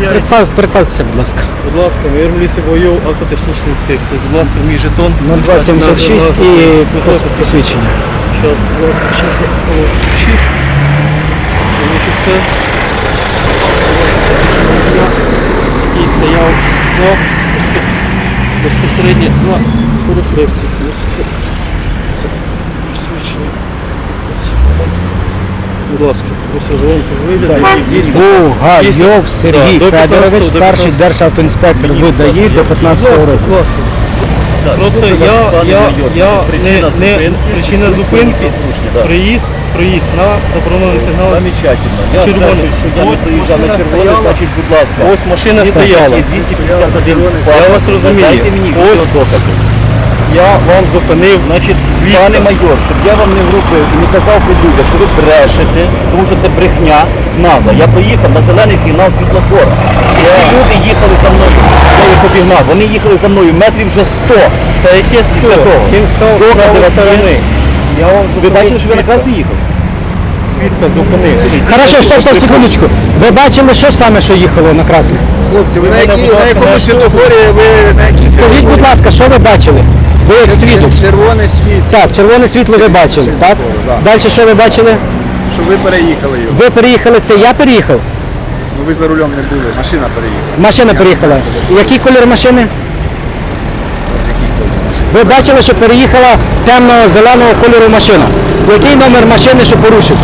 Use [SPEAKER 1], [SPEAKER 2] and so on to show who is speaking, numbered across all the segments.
[SPEAKER 1] Представтеся, будь ласка.
[SPEAKER 2] Будь ласка, майор міліції Воєв, автотехнічна інспекція. Будь ласка, мій жетон.
[SPEAKER 1] 0276 і посвідчення.
[SPEAKER 2] Зараз, будь ласка, зараз я включив. Тому що це і стояв безпосередньо на перехресті. Будь ласка, просто желанку вигляд.
[SPEAKER 1] Бугайов Сергій Федорович, старший державтоінспектор ВДАІ до 15 року.
[SPEAKER 2] Просто я причина зупинки, проїзд на заборонений сигнал.
[SPEAKER 3] Замечательно. Я знаю, що я не заїжджав на червоний, значить, будь ласка.
[SPEAKER 2] Ось машина стояла. Я вас розумію.
[SPEAKER 3] Дайте мені відеодокази.
[SPEAKER 2] Я вам зупинив, значить,
[SPEAKER 3] Пане майор, щоб я вам не врубив і не казав подруга, що ви брешете, тому що це брехня, надо. Я поїхав на зелений сигнал світлофора. І ці люди їхали за мною. Я їх обігнав. Вони їхали за мною метрів вже 100.
[SPEAKER 2] Та яке 100?
[SPEAKER 3] Докази на сторони. Ви бачили, що ви на красний їхали?
[SPEAKER 2] Свідка зупинив.
[SPEAKER 1] Хорошо, стоп, секундочку. Ви бачили, що саме, що їхало на красний?
[SPEAKER 3] Хлопці, ви на якому світлофорі, ви на якій
[SPEAKER 1] Скажіть, будь ласка, що ви бачили? Ви як свідок.
[SPEAKER 3] Червоне світло.
[SPEAKER 1] Так, червоне світло ви бачили, так? Далі що ви бачили?
[SPEAKER 3] Що ви переїхали його.
[SPEAKER 1] Ви переїхали, це я переїхав?
[SPEAKER 3] Ну ви за рулем не були, машина переїхала.
[SPEAKER 1] Машина переїхала. Який колір машини? Ви бачили, що переїхала темно-зеленого кольору машина. Який номер машини, що порушив?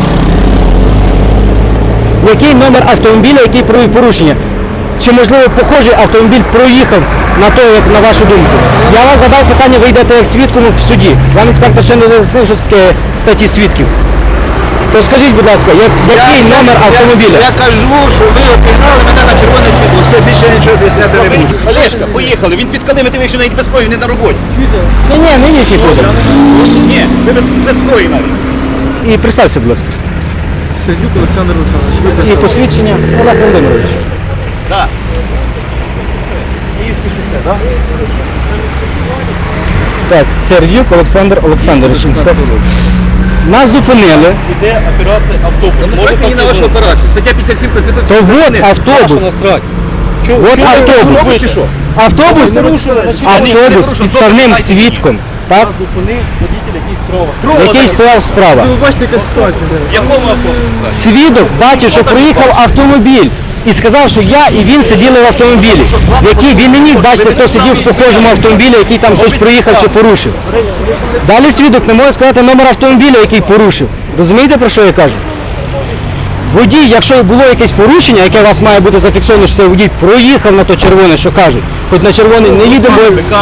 [SPEAKER 1] Який номер автомобіля, який провів порушення? Чи, можливо, похожий автомобіль проїхав на те, як на вашу думку? Я вас задав питання, ви йдете як свідком в суді. Вам інспектор ще не роз'яснив, що таке статті свідків. То скажіть, будь ласка, який номер автомобіля?
[SPEAKER 3] Я кажу, що ви обігнали мене на червоне світло, все, більше нічого об'ясняти не буду. Олешка, поїхали, він під калими, ти вийшов навіть без зброї, не на роботі.
[SPEAKER 1] Ні, не їхній ходить.
[SPEAKER 3] Ні, ви без зброї навіть.
[SPEAKER 1] І представся, будь ласка.
[SPEAKER 2] Сердюк Олександр Олександрович.
[SPEAKER 1] І посвідчення Олег Володимирович.
[SPEAKER 3] Так. Київський шосе, так?
[SPEAKER 1] Так, Сердюк Олександр Олександрович, інспектор. Нас зупинили.
[SPEAKER 2] Іде оператор автобус.
[SPEAKER 3] Можете мені на вашу операцію, стаття 57 Конституції.
[SPEAKER 1] То вот автобус. От автобус. Автобус з підставним свідком. Так?
[SPEAKER 2] Нас зупинив водитель, який справа.
[SPEAKER 1] Який стояв справа.
[SPEAKER 2] Ви бачите, яка ситуація.
[SPEAKER 3] В якому автобусі?
[SPEAKER 1] Свідок бачив, що проїхав автомобіль. І сказав, що я і він сиділи в автомобілі. Який він не міг бачити, хто сидів в похожому автомобілі, який там щось проїхав чи порушив. Далі свідок не може сказати номер автомобіля, який порушив. Розумієте, про що я кажу? Водій, якщо було якесь порушення, яке у вас має бути зафіксовано, що цей водій проїхав на то червоне, що кажуть, хоч на червоний не їдемо,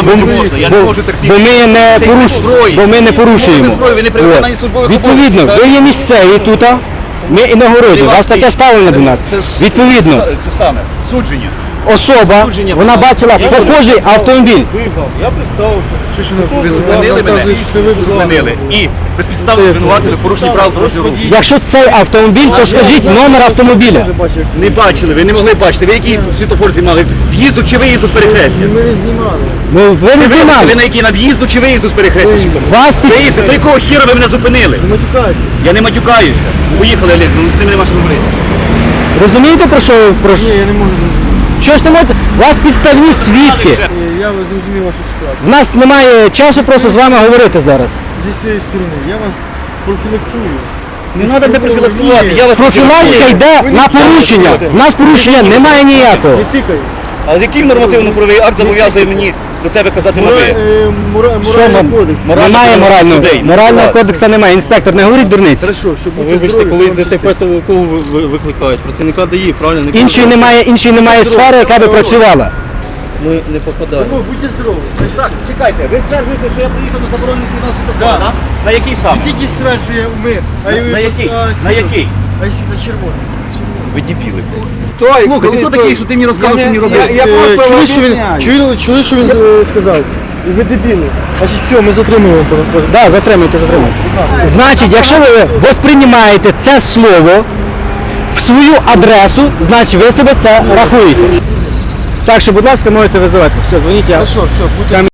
[SPEAKER 1] бо ми не порушуємо. От. Відповідно, ви є місцеві тут, ми інаугуруємо, у вас таке ставлення до нас. Відповідно,
[SPEAKER 3] Це саме, судження.
[SPEAKER 1] особа, вона бачила похожий автомобіль.
[SPEAKER 2] Я представився.
[SPEAKER 3] Ви зупинили мене, зупинили. І безпідставно звинуватили в порушенні правил дорожнього руху.
[SPEAKER 1] Якщо цей автомобіль, то скажіть номер автомобіля.
[SPEAKER 3] Не бачили, ви не могли бачити. Ви який світлофор знімали? В'їзду чи виїзду з перехрестя?
[SPEAKER 2] Ми не знімали.
[SPEAKER 1] Ви не
[SPEAKER 3] Ви
[SPEAKER 1] знімали.
[SPEAKER 3] на який, на в'їзду чи виїзду з перехрестя?
[SPEAKER 1] Вас
[SPEAKER 3] Виїзду, то якого хіра ви мене зупинили?
[SPEAKER 2] Не матюкайте.
[SPEAKER 3] Я не матюкаюся. Поїхали, Олег, ну з ними нема що говорити.
[SPEAKER 1] розумієте, про що?
[SPEAKER 2] Ні, я не можу.
[SPEAKER 1] Що ж не можете? У вас підставні свідки.
[SPEAKER 2] Я зрозумів вашу ситуацію.
[SPEAKER 1] У нас немає часу просто з вами говорити зараз.
[SPEAKER 2] Зі цієї сторони. Я вас профілактую.
[SPEAKER 3] Не треба де профілактувати. Я вас
[SPEAKER 1] Профілактика йде на порушення. У нас порушення немає ніякого.
[SPEAKER 2] Не тикай.
[SPEAKER 3] А який нормативно-правовий акт зобов'язує мені до тебе казати на ви?
[SPEAKER 2] Моральний кодекс.
[SPEAKER 1] Немає морального кодексу немає. Інспектор, не говоріть дурниць.
[SPEAKER 2] Хорошо, щоб бути Вибачте, здоровим,
[SPEAKER 3] ну,
[SPEAKER 2] коли вам ДТП, то кого викликають? Працівника ДАІ, правильно?
[SPEAKER 1] Іншої немає сфери, яка би працювала.
[SPEAKER 2] Ми не попадаємо. Будьте здорові.
[SPEAKER 3] Так, чекайте, ви стверджуєте, що я приїхав на заборонений сигнал світлофора, так? На який саме?
[SPEAKER 2] Тільки стверджує ми.
[SPEAKER 3] На який? На який?
[SPEAKER 2] А якщо на червоний?
[SPEAKER 3] Ви дебіли.
[SPEAKER 2] Слухай,
[SPEAKER 3] ти хто такий, що ти мені розказав, що мені робити?
[SPEAKER 2] Я просто чули, що він сказав? Ви дебіли. Значить, все, ми затримуємо.
[SPEAKER 1] Так, затримуйте. Значить, якщо ви восприймаєте це слово в свою адресу, значить ви себе це рахуєте. Так що, будь ласка, можете визивати. Все, дзвоніть, я.
[SPEAKER 2] Хорошо, все, будьте